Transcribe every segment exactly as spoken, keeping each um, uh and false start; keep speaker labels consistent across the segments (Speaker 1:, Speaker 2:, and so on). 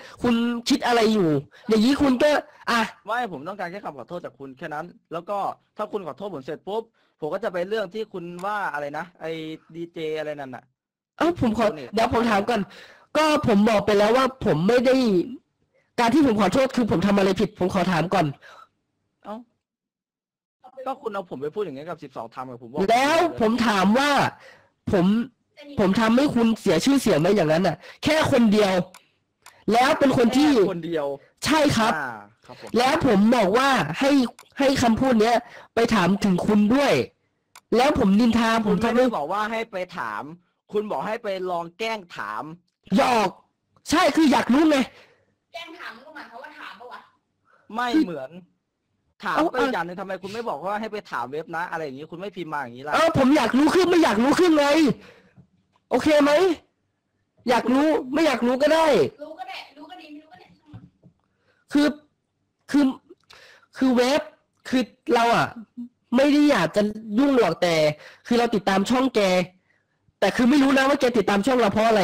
Speaker 1: คุณคิดอะไรอยู่อย่างนี้คุณก็อ่ะ
Speaker 2: ไม่ผมต้องการแค่คำขอโทษจากคุณแค่นั้น แล้วก็ถ้าคุณขอโทษผมเสร็จปุ๊บผมก็จะไปเรื่องที่คุณว่าอะไรนะไอ้ดีเจอะไรนั่นน่ะ
Speaker 1: เอ้าผมขอเดี๋ยวผมถามก่อนก็ผมบอกไปแล้วว่าผมไม่ได้การที่ผมขอโทษคือผมทำอะไรผิด ผมขอถามก่อน
Speaker 2: เอ้าก็คุณเอาผมไปพูดอย่างนี้กับสิบสองทำกับผมบอก
Speaker 1: แล้วผมถามว่า ผมผมทำให้คุณเสียชื่อเสียงไหมอย่างนั้นน่ะ แค่คนเดียว แล้วเป็นคนที่
Speaker 2: แค่คนเดียว
Speaker 1: ใช่ครับ
Speaker 2: อ่าครับผม
Speaker 1: แล้วผมบอกว่าให้ให้คำพูดเนี้ย ไปถามถึงคุณด้วย แล้วผมนินทาผ
Speaker 2: คุ
Speaker 1: ม
Speaker 2: ณไม่
Speaker 1: ทำ
Speaker 2: ได้
Speaker 1: ให้
Speaker 2: บอกว่าให้ไปถาม คุณบอกให้ไปลองแกล้งถาม
Speaker 1: หยอก ใช่คืออยากรู้ไง
Speaker 3: แกล้งถามมันก็หมายความว่าถามปะวะ
Speaker 2: ไม่เหมือน ถาม
Speaker 1: เอ้า
Speaker 2: ไปอย่างหนึ่งทำไมคุณไม่บอกว่าให้ไปถามเว็บนะ อะไรอย่างนี้คุณไม่พิมพ์มาอย่างนี้ล่ะ
Speaker 1: เออผมอยากรู้ขึ้นไม่อยากรู้ขึ้นไงโอเคไหมอยากรู้ไม่อยากรู้ก็ได้
Speaker 3: รู้ก็ได้ รู้ก็ดีไม่รู้ก็ได้ช่างมัน
Speaker 1: คือคือคือเว็บคือเราอ่ะ ไม่ได้อยากจะยุ่งหรอกแต่ คือเราติดตามช่องแก แต่คือไม่รู้นะว่าแกติดตามช่องเราเพราะอะไร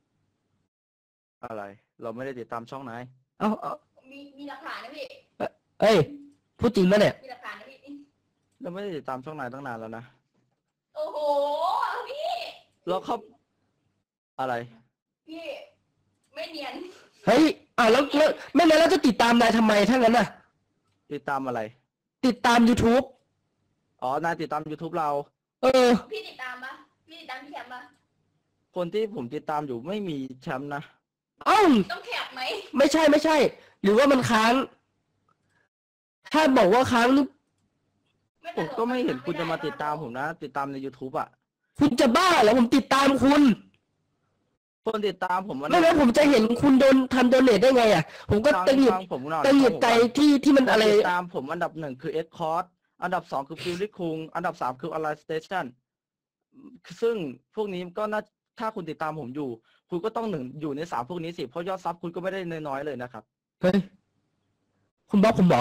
Speaker 2: อะไร เราไม่ได้ติดตามช่องไหน
Speaker 1: เอาเอา
Speaker 3: มีมีหลักฐานนะพี่
Speaker 1: เอ้ยพูดจริงปะเนี่ย
Speaker 3: มีหลักฐานนะพี่
Speaker 2: เราไม่ได้ติดตามช่องไหนตั้งนานแล้วนะ
Speaker 3: โอ้โห พี่
Speaker 2: เราเข้าอะไร
Speaker 3: พี่ ไม่เนียน
Speaker 1: เฮ้ยอ่าแล้วแล้วไม่งั้นเราจะติดตามนายทำไมถ้างั้นน่ะ
Speaker 2: ติดตามอะไร
Speaker 1: ติดตาม YouTube
Speaker 2: อ๋อนายติดตาม YouTube เรา
Speaker 1: เออ
Speaker 3: พี่ติดตามปะพี่ติดตามพี่แคมปะ
Speaker 2: คนที่ผมติดตามอยู่ไม่มีแชมป์นะ
Speaker 1: เอ้า
Speaker 3: ต้องแคปไหม
Speaker 1: ไม่ใช่ไม่ใช่ หรือว่ามันค้าง ถ้าบอกว่าค้างนี่
Speaker 3: ต
Speaker 2: ผม
Speaker 3: ล
Speaker 2: ก็ไม่เห็นคุณจะมา
Speaker 3: ไได้
Speaker 2: ติดตามผมนะ ติดตามใน YouTube อ่ะ
Speaker 1: คุณจะบ้าเหรอผมติดตามคุณ
Speaker 2: คนติดตามผมมัน
Speaker 1: ไม่งั้นผมจะเห็นคุณโดนทำโดเนทได้ไงอ่ะ ผมก็
Speaker 2: ฟัง
Speaker 1: ตังหงิด
Speaker 2: ฟังผมหน่อย
Speaker 1: ตังหงิดใจ
Speaker 2: ฟังผมก่อน
Speaker 1: ที่ที่มัน
Speaker 2: คน
Speaker 1: อะไร
Speaker 2: ติดตามผมอันดับหนึ่งคือ X Code อันดับสองคือฟิลลิคุงอันดับสามคือ Align Station ซึ่งพวกนี้ก็น่าถ้าคุณติดตามผมอยู่ คุณก็ต้องหนึ่งอยู่ในสามพวกนี้สิ เพราะยอดซับคุณก็ไม่ได้น้อยๆเลยนะครับ
Speaker 1: เฮ้ย คุณบล็อกผมเหรอ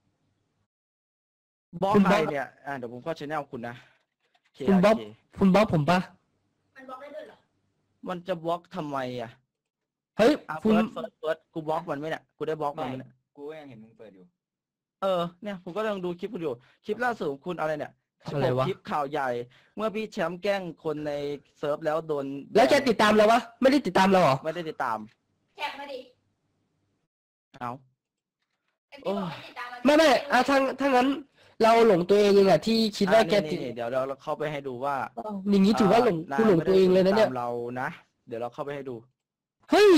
Speaker 2: บล็อก
Speaker 1: คุณ
Speaker 2: ใค
Speaker 1: บ
Speaker 2: ร
Speaker 1: ล็อก
Speaker 2: เนี่ยอ่าเดี๋ยวผมก็ชแนลคุณนะ
Speaker 1: คุณบล็อก
Speaker 2: เค
Speaker 1: คุณบล็อกผมปะ
Speaker 3: มันบล็อกได้ด้วยเหรอ
Speaker 2: มันจะบล็อกทำไมอ่ะ
Speaker 1: เฮ้ย
Speaker 2: อ่ะ
Speaker 1: คุ
Speaker 2: เฟิ
Speaker 1: ณ
Speaker 2: ร์สเฟิร์สเฟิร์สกูบล็อกมันไหมเนี่ยกูได้บล็อกมันไหมเนี่ย
Speaker 4: กูก็ยังเห็นมึงเปิดอยู่
Speaker 2: เออเนี่ยผมก็กำลังดูคลิปคุณอยู่ คลิปล่าสุดของคุณอะไรเนี่ย
Speaker 1: อะไรวะ
Speaker 2: คลิปข่าวใหญ่ เมื่อพี่แชมป์แกล้งคนในเซิร์ฟแล้วโดน
Speaker 1: แล้วแกติดตามเราวะ ไม่ได้ติดตามเราเหรอ
Speaker 2: ไม่ได้ติดตาม
Speaker 3: แคปมาดิ
Speaker 2: เอา
Speaker 3: ไอ้ที่บอกให้ติดตามน
Speaker 1: ไม่ไม่อ่ะถ้าถ้างั้น เราหลงตัวเองเองอะที่คิดว่าแก
Speaker 2: อ่ะ
Speaker 1: ติด
Speaker 2: นี่ๆเดี๋ยวเราเข้าไปให้ดูว่า
Speaker 1: อย่างนี้ถือว่าหลง
Speaker 2: อ่
Speaker 1: คุณหลงตัวเองเลยนะเนี่ย
Speaker 2: าไม่ได้ติดตามเรานะเดี๋ยวเราเข้าไปให้ดู
Speaker 1: เฮ้ย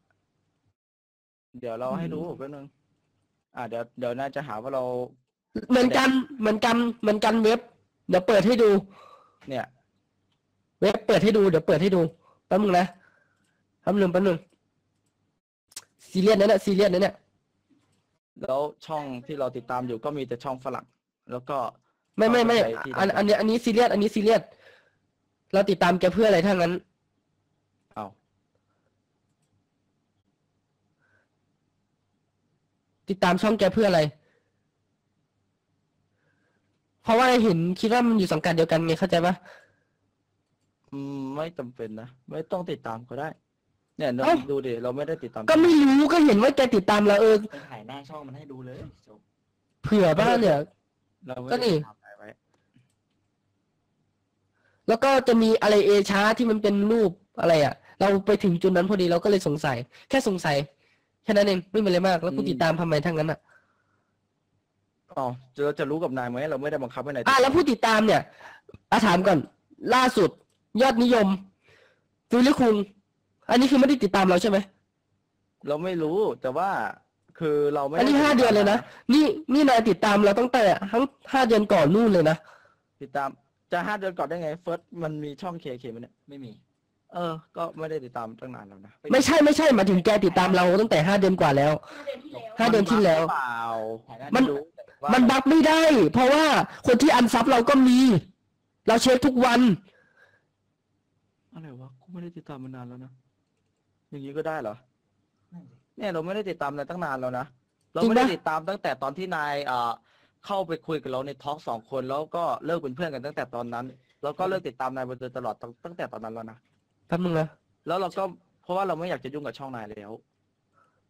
Speaker 2: เดี๋ยวเราให้ดูแป๊บนึงอ่าเดี๋ยวเดี๋ยวน่าจะหาว่าเรา
Speaker 1: เหมือนกัน เหมือนกัน เหมือนกันเว็บ เดี๋ยวเปิดให้ดู
Speaker 2: เนี่ย
Speaker 1: เว็บเปิดให้ดู เดี๋ยวเปิดให้ดู แป๊บนึงนะ แป๊บนึงแป๊บนึงซีเรียสนะเนี่ยซีเรียสนะเนี่ย
Speaker 2: แล้วช่องที่เราติดตามอยู่ก็มีแต่ช่องฝรั่งแล้วก็
Speaker 1: ไม่ไม่ไม่
Speaker 2: เอาไปใช้ที่
Speaker 1: อันอันนี้อันนี้ซีเรียส อันนี้ซีเรียส เราติดตามแกเพื่ออะไรถ้างั้น
Speaker 2: เอา
Speaker 1: ติดตามช่องแกเพื่ออะไร เพราะว่าเห็นคิดว่ามันอยู่สังกัดเดียวกันไงเข้าใจปะ
Speaker 2: อืมไม่จำเป็นนะไม่ต้องติดตามก็ได้ เนี่ยเรา
Speaker 1: เอ้า
Speaker 2: ดูดิเราไม่ได้ติดตาม
Speaker 1: ก็ไม่รู้ก็เห็นว่าแกติดตามเราเออ
Speaker 4: ไปถ่ายหน้าช่องมันให้ดูเลยจบ
Speaker 1: เผื่อบ้างเนี่ย
Speaker 2: เราไม่
Speaker 1: ก็
Speaker 2: ได้
Speaker 1: นี่
Speaker 2: ทำอะไรไว้
Speaker 1: แล้วก็จะมีอะไรเอช้าที่มันเป็นรูปอะไรอ่ะ เราไปถึงจุดนั้นพอดีเราก็เลยสงสัย แค่สงสัยแค่นั้นเองไม่มีอะไรมาก แล้วกูติดตามทำไมทั้งนั้นอ่ะ
Speaker 2: อ๋อเราจะรู้กับนายไหมเราไม่ได้บังคับให้นาย
Speaker 1: อ่ะแล้วผู้ติดตามเนี่ยอาถามก่อน ล่าสุด ยอดนิยมฟิลลิคุงอันนี้คือไม่ได้ติดตามเราใช่ไหม
Speaker 2: เราไม่รู้แต่ว่าคือเราไม่
Speaker 1: อันนี้
Speaker 2: ได้
Speaker 1: ห้าเดือนเลยนะนี่นี่นายติดตามเราตั้งแต่ทั้งห้าเดือนก่อนนู่นเลยนะ
Speaker 2: ติดตามจะห้าเดือนก่อนได้ไงเฟิร์สมันมีช่องเคเคมันเนี่ย
Speaker 4: ไม่มี
Speaker 2: เออ ก็ไม่ได้ติดตามตั้งนานแล้วนะ
Speaker 1: ไม่ใช่ไม่ใช่หมายถึงแกติดตามเราตั้งแต่ห้าเดือนกว่าแล้ว
Speaker 3: ห้าเดือนที่แล้ว
Speaker 1: ห้าเดือนที่แล้ว
Speaker 2: เปล่า
Speaker 4: ถ่ายหน้า
Speaker 1: มัน
Speaker 4: ดู
Speaker 2: ว่า
Speaker 1: มันบักไม่ได้ เพราะว่าคนที่อันซับเราก็มี เราเช็คทุกวัน
Speaker 2: อะไรวะกูไม่ได้ติดตามมานานแล้วนะอย่างนี้ก็ได้เหรอ
Speaker 4: นั่นสิ
Speaker 2: เนี่ยเราไม่ได้ติดตามนายตั้งนานแล้วนะเรา
Speaker 1: จริง
Speaker 2: ไม่ได้
Speaker 1: ปะ
Speaker 2: ติดตามตั้งแต่ตอนที่นายเอ่อเข้าไปคุยกับเราในทอล์กสองคนแล้วก็เลิกเป็นเพื่อนกันตั้งแต่ตอนนั้น แล้วก็เลิกติดตามนายมาโดยตลอดตั้งตั้งแต่ตอนนั้นแล้วนะ
Speaker 1: แป๊บนึงนะ
Speaker 2: แล้วเราก็เพราะว่าเราไม่อยากจะยุ่งกับช่องนายแล้ว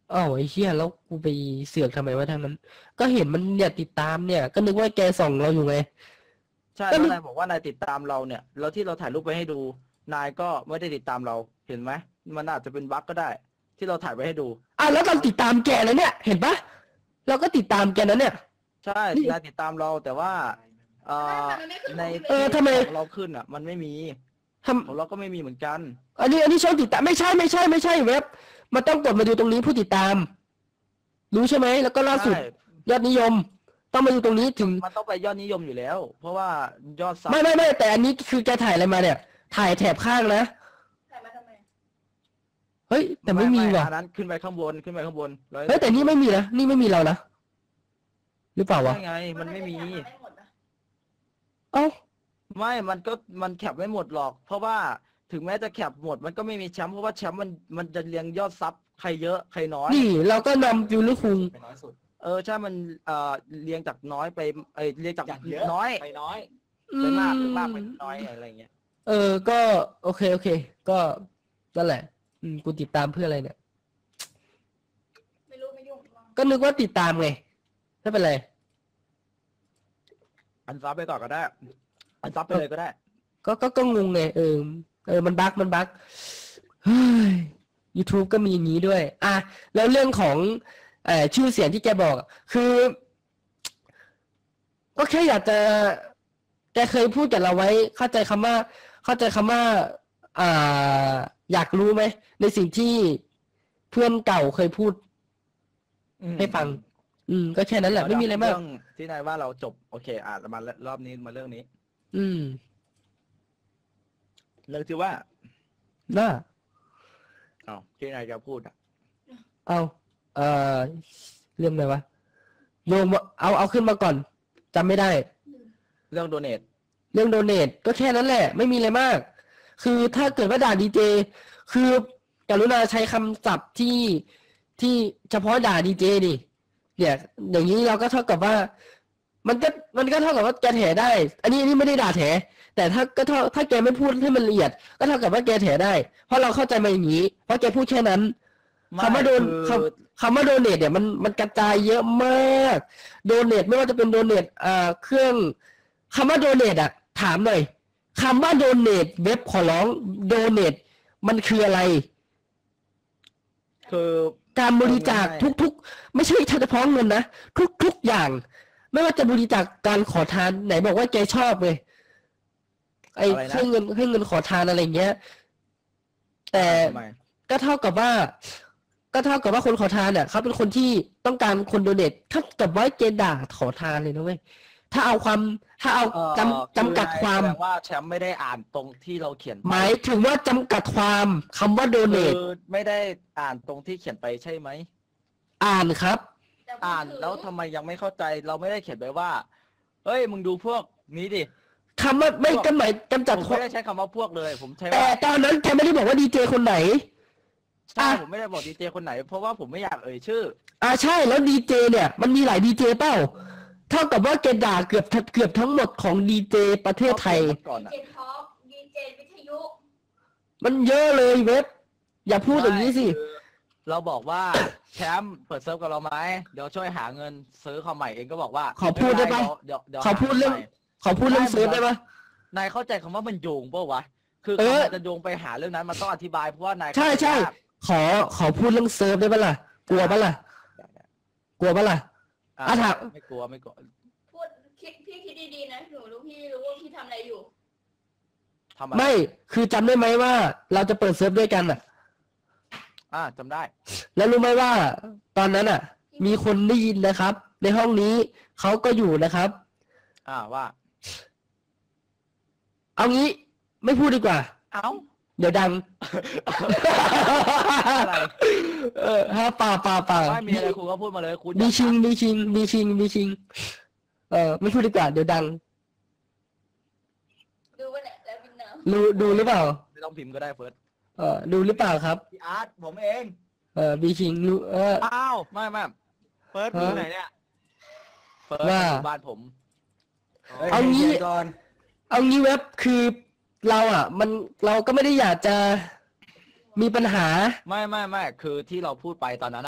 Speaker 1: อ้าวไอ้เหี้ยแล้วกูไปเสือกทำไมวะทางนั้น ก็เห็นมันเนี่ยติดตามเนี่ย ก็นึกว่าแกส่องเราอยู่ไง
Speaker 2: ใช่
Speaker 1: ก็
Speaker 2: แล้ว
Speaker 1: นึก
Speaker 2: นายบอกว่านายติดตามเราเนี่ย แล้วที่เราถ่ายรูปไปให้ดู นายก็ไม่ได้ติดตามเราเห็นไหมมันอาจจะเป็นบั๊กก็ได้ ที่เราถ่ายไว้ให้ดู
Speaker 1: อ่ะแล้วเราติดตามแกนะเนี่ย เห็นปะเราก็ติดตามแกนะเนี่ย
Speaker 2: ใช่
Speaker 1: นี่
Speaker 2: นายติดตามเราแต่ว่าเอ่อ
Speaker 3: มันไม่ขึ้น
Speaker 2: ใน
Speaker 3: ของพี่
Speaker 1: เออ
Speaker 3: เบส
Speaker 1: ทำไม
Speaker 2: ของเราขึ้นอ่ะ มันไม่มี
Speaker 1: ท
Speaker 2: ของเราก็ไม่มีเหมือนกัน
Speaker 1: ำอันนี้อันนี้ช่องติดตามไม่ใช่ไม่ใช่ไม่ใช่เว็บ มันต้องกดมาดูตรงนี้ผู้ติดตาม รู้ใช่ไหมแล้วก็ล่าสุด
Speaker 2: ใช่
Speaker 1: ยอดนิยม ต้องมาดูตรงนี้ถึง
Speaker 2: มันต้องไปยอดนิยมอยู่แล้ว เพราะว่ายอดซับ
Speaker 1: ไม่ไม่ไม่แต่อันนี้คือแกถ่ายอะไรมาเนี่ย ถ่ายแถบข้างนะ
Speaker 3: ถ่ายมาทำไม
Speaker 1: เฮ้ย แต่ไม่มีว่ะ
Speaker 2: อันนั้นขึ้นไปข้างบนขึ้นไปข้างบนร้อย
Speaker 1: เฮ้ยแต่นี่ไม่มีนะนี่ไม่มีเรานะหรือเปล่าวะ
Speaker 2: ใช่ไง มันไม่มี
Speaker 3: นไม่หมดนะ
Speaker 1: เอ้า
Speaker 2: ไม่ มันก็มันแคปไม่หมดหรอก เพราะว่าถึงแม้จะแคปหมด มันก็ไม่มีแชมป์เพราะว่าแชมป์มันมันจะเรียงยอดซับใครเยอะใครน้อย
Speaker 1: นี่เราก็นำฟิวลิคุง
Speaker 4: ไปน้อยสุด
Speaker 2: เออใช่มันเอ่อเรียงจากน้อยไปเอยเรียงจาก
Speaker 4: อย่างเยอะ
Speaker 2: น้อย
Speaker 4: ไปน้อย
Speaker 2: ไปมากไปมากไปน้อยอะไรเงี้ย
Speaker 1: เออ ก็โอเคโอเค ก็นั่นแหละ อืมกูติดตามเพื่ออะไรเนี่ย
Speaker 3: ไม่รู้ไม่ยุ่ง
Speaker 1: ก็นึกว่าติดตามไงไม่เป็นไร
Speaker 2: อันซับไปก่อนก็ได้ อันซับไปเลยก็ได้
Speaker 1: ก็ก็ก็งงไงเออ เออ มันบั๊กมันบั๊กเฮ้ย YouTube ก็มีอย่างนี้ด้วย อ่ะ แล้วเรื่องของเอ่อชื่อเสียงที่แกบอกอะคือ ก็แค่อยากจะ แกเคยพูดกับเราไว้ เข้าใจคำว่า เข้าใจคำว่า อ่า อยากรู้ไหม ในสิ่งที่เพื่อนเก่าเคยพูด
Speaker 2: อืม
Speaker 1: ให้ฟัง อืม ก็แค่นั้นแหละไม่มีอะไรมาก
Speaker 2: เรื่องที่นายว่าเราจบโอเคอ่ะมารอบนี้มาเรื่องนี้
Speaker 1: อืม
Speaker 2: เรื่องที่ว่า
Speaker 1: น่า
Speaker 2: อ้าวที่นายจะพูดอ่ะ
Speaker 1: เอาเอ่อเรื่องอะไรวะโยมเอาเอาขึ้นมาก่อนจำไม่ได้
Speaker 2: เรื่องโดเนท
Speaker 1: เรื่องโดเนทก็แค่นั้นแหละ ไม่มีอะไรมาก คือถ้าเกิดว่าด่าดีเจคือกรุณาใช้คำศัพท์ที่ที่เฉพาะด่าดีเจดิเนี่ย อย่างนี้เราก็เท่ากับว่า มันก็มันก็เท่ากับว่าแกแถได้ อันนี้อันนี้ไม่ได้ด่าแถ แต่ถ้าก็เท่าถ้าแกไม่พูดให้มันละเอียด ก็เท่ากับว่าแกแถได้ เพราะเราเข้าใจมาอย่างนี้ เพราะแกพูดแค่นั้น คำว่าโดน
Speaker 2: คือ
Speaker 1: คำคำว่าโดเนทเนี่ยมันมันกระจายเยอะมาก โดเนทไม่ว่าจะเป็นโดเนทอ่าเครื่องคำว่าโดเนทอะถามหน่อยคำว่าโดเนทเว็บขอร้องโดเนทมันคืออะไร
Speaker 2: คือ
Speaker 1: การบริจาค
Speaker 2: เอาง่าย
Speaker 1: ทุกๆ ไม่ใช่เฉพาะเงินนะทุกๆอย่าง ไม่ว่าจะบริจาคการขอทานไหนบอกว่าแกชอบเลยไอ้
Speaker 2: อะไรนะ
Speaker 1: ให้เงินให้เงินขอทานอะไรเงี้ย แต่
Speaker 2: ทำไม
Speaker 1: ก็เท่ากับว่า ก็เท่ากับว่าคนขอทานเนี่ยเขาเป็นคนที่ต้องการคนโดเนทถ้ากับว่าเกณฑ์ด่าขอทานเลยนะเว้ยถ้าเอาความถ้าเอา
Speaker 2: เอ่อ
Speaker 1: จำจำกัดความ
Speaker 2: แสดงว่าแชมป์ไม่ได้อ่านตรงที่เราเขียนไป
Speaker 1: หมายถึงว่าจำกัดความคำว่าโดเน
Speaker 2: คื
Speaker 1: ท
Speaker 2: อไม่ได้อ่านตรงที่เขียนไปใช่ไหม
Speaker 1: อ่านครับ
Speaker 3: แต่พูด
Speaker 2: อ่าน
Speaker 3: ถึง
Speaker 2: แล้วทำไมยังไม่เข้าใจ เราไม่ได้เขียนไปว่า เฮ้ยมึงดูพวกนี้ดิ
Speaker 1: คำว่าไม่ก็หมายกำจัด
Speaker 2: ผม
Speaker 1: ความ
Speaker 2: ไม่ได้ใช้คำว่าพวกเลย ผมใช้
Speaker 1: แต่
Speaker 2: ว่า
Speaker 1: ตอนนั้นแกไม่ได้บอกว่าดีเจคนไหน
Speaker 2: ใช่
Speaker 1: อ่ะ
Speaker 2: ผมไม่ได้บอกดีเจคนไหน เพราะว่าผมไม่อยากเอ่ยชื่อ
Speaker 1: อ่าใช่แล้วดีเจเนี่ย มันมีหลายดีเจเปล่าเท่ากับว่าแกด่าเกือบเกือบทั้งหมดของดีเจประเทศไทย
Speaker 2: ก่อน
Speaker 3: ดี
Speaker 2: อะ
Speaker 3: เจท็อกดีเจวิทยุ
Speaker 1: มันเยอะเลยเว็บ อย่าพูดอย่างนี้สิ
Speaker 2: ไม่คือเราบอกว่าแชมป์เปิดเซิร์ฟกับเราไหมเดี๋ยวช่วยหาเงินซื้อคอมใหม่เองก็บอกว่า
Speaker 1: ขอพูดได้ปะ
Speaker 2: ม่เป็นรเดี๋ยวเดี๋ยว
Speaker 1: ขอพูดเรื่อง
Speaker 2: หาใหม่
Speaker 1: ขอพูดเรื่อง
Speaker 2: ได้
Speaker 1: เซิร์ฟได้ปะ
Speaker 2: นายเข้าใจคำว่ามันโยงเปล่าวะ คือ
Speaker 1: เออ
Speaker 2: คำมันจะโยงไปหาเรื่องนั้นมันต้องอธิบายเพราะว่านาย
Speaker 1: ใช่ใช่ ขอขอพูดเรื่องเซิร์ฟได้ปะล่ะกลัวปะล่ะกลัวปะล่ะ
Speaker 2: อ่ะ
Speaker 1: อ่ะถาม
Speaker 2: ไม่กลัวไม่กลัว
Speaker 3: พูดคิดพี่คิดดีๆนะหนูรู้พี่รู้ว่าพี่ทำอะไรอยู่
Speaker 2: ทำอะไร
Speaker 1: ไม่คือจำได้ไหมว่า เราจะเปิดเซิร์ฟด้วยกันอ่ะ
Speaker 2: อ่าจำได้
Speaker 1: แล้วรู้ไหมว่า ตอนนั้นอ่ะ มีคนได้ยินนะครับ ในห้องนี้เขาก็อยู่นะครับ
Speaker 2: อ่าว่า
Speaker 1: เอางี้ไม่พูดดีกว่า
Speaker 2: เอ้า
Speaker 1: เดี๋ยวดัง
Speaker 2: อะไร
Speaker 1: เออฮะป่าป่าป่า
Speaker 2: ไม่มีอะไรคุณก็พูดมาเลยคุณ
Speaker 1: มี
Speaker 2: อยาก
Speaker 1: ชิงมีชิงมีชิงมีชิง เออไม่พูดดีกว่าเดี๋ยวดัง
Speaker 3: ดูว่าเนี่ยแล้ววินเนอร์
Speaker 1: รู้ดูหรือเปล่า
Speaker 2: ไม่ต้องพิมพ์ก็ได้เฟิร์ส
Speaker 1: เออดูหรือเปล่าครับ
Speaker 4: พี่อาร์ตผมเอง
Speaker 1: เออมีชิงรู้เออ
Speaker 2: อ้าวไม่ไม่เฟิร์สอยู่ไหนเนี่ยเฟิร์ส
Speaker 1: ว่า
Speaker 2: อยู่บ้านผม
Speaker 4: ฮ้ย
Speaker 1: เอางี้
Speaker 4: ใจย็นก่อน
Speaker 1: เอางี้เว็บคือเราอ่ะ มันเราก็ไม่ได้อยากจะมีปัญหา
Speaker 2: ไม่ไม่ไม่คือที่เราพูดไปตอนนั้น